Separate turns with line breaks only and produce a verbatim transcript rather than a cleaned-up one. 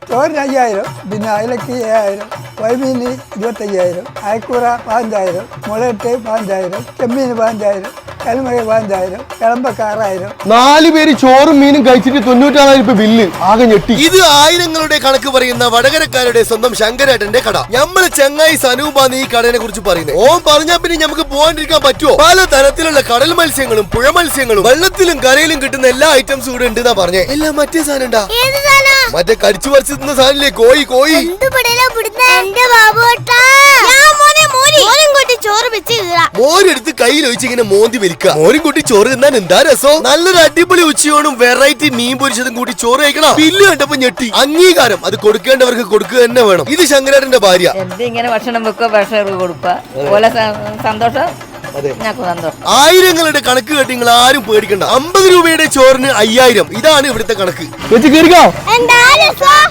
ചോറിന് അയ്യായിരം, പിന്നെ അയലക്ക് ഏഴായിരം, വൈമീന് ഇരുപത്തയ്യായിരം, അയക്കൂറ പതിനഞ്ചായിരം, മുളയിട്ട് പതിനഞ്ചായിരം, ചെമ്മീന് പതിനഞ്ചായിരം, കൽമഴ പതിനഞ്ചായിരം, കിളമ്പക്ക ആറായിരം.
നാല് പേര് ചോറും മീനും കഴിച്ചിട്ട് തൊണ്ണൂറ്റാറായിരം രൂപ ബില്ല്. ആകെ ഞെട്ടി.
ഇത് ആയിരങ്ങളുടെ കണക്ക് പറയുന്ന വടകരക്കാരുടെ സ്വന്തം ശങ്കരേട്ടന്റെ കട. നമ്മള് ചെങ്ങായി സനൂപാന്ന് ഈ കടനെ കുറിച്ച് പറയുന്നത്. ഓൻ പറഞ്ഞാ പിന്നെ നമുക്ക് പോകാണ്ടിരിക്കാൻ പറ്റുമോ? പല തരത്തിലുള്ള കടൽ മത്സ്യങ്ങളും പുഴ മത്സ്യങ്ങളും വെള്ളത്തിലും കരയിലും കിട്ടുന്ന എല്ലാ ഐറ്റംസും ഇവിടെ ഉണ്ട് എന്നാ പറഞ്ഞേ. എല്ലാം മറ്റേ സാധനം ഉണ്ടാ, മറ്റേ കടിച്ചു പറിച്ചു തിന്ന സാധനല്ലേ, കോഴി കോഴി മോരെടുത്ത് കയ്യിൽ ഒഴിച്ച് ഇങ്ങനെ മോന്തി വലിക്കുക. മോരും കൂട്ടി ചോറ് തിന്നാൻ എന്താ രസം. നല്ലൊരു അടിപൊളി ഉച്ചയോടും വെറൈറ്റി മീൻ പൊരിച്ചതും കൂട്ടി ചോറ് കഴിക്കണം. ബില്ല് കണ്ടപ്പോ ഞെട്ടി. അംഗീകാരം അത് കൊടുക്കേണ്ടവർക്ക് കൊടുക്കുക തന്നെ വേണം. ഇത് ശങ്കരേട്ടന്റെ ഭാര്യ.
ഇങ്ങനെ ഭക്ഷണം വെക്കുക, ഭക്ഷണം കൊടുക്കുക, പോലെ സന്തോഷം.
ആയിരങ്ങളുടെ കണക്ക് കേട്ട് നിങ്ങൾ ആരും പേടിക്കണ്ട. അമ്പത് രൂപയുടെ ചോറിന് അയ്യായിരം, ഇതാണ് ഇവിടുത്തെ കണക്ക്.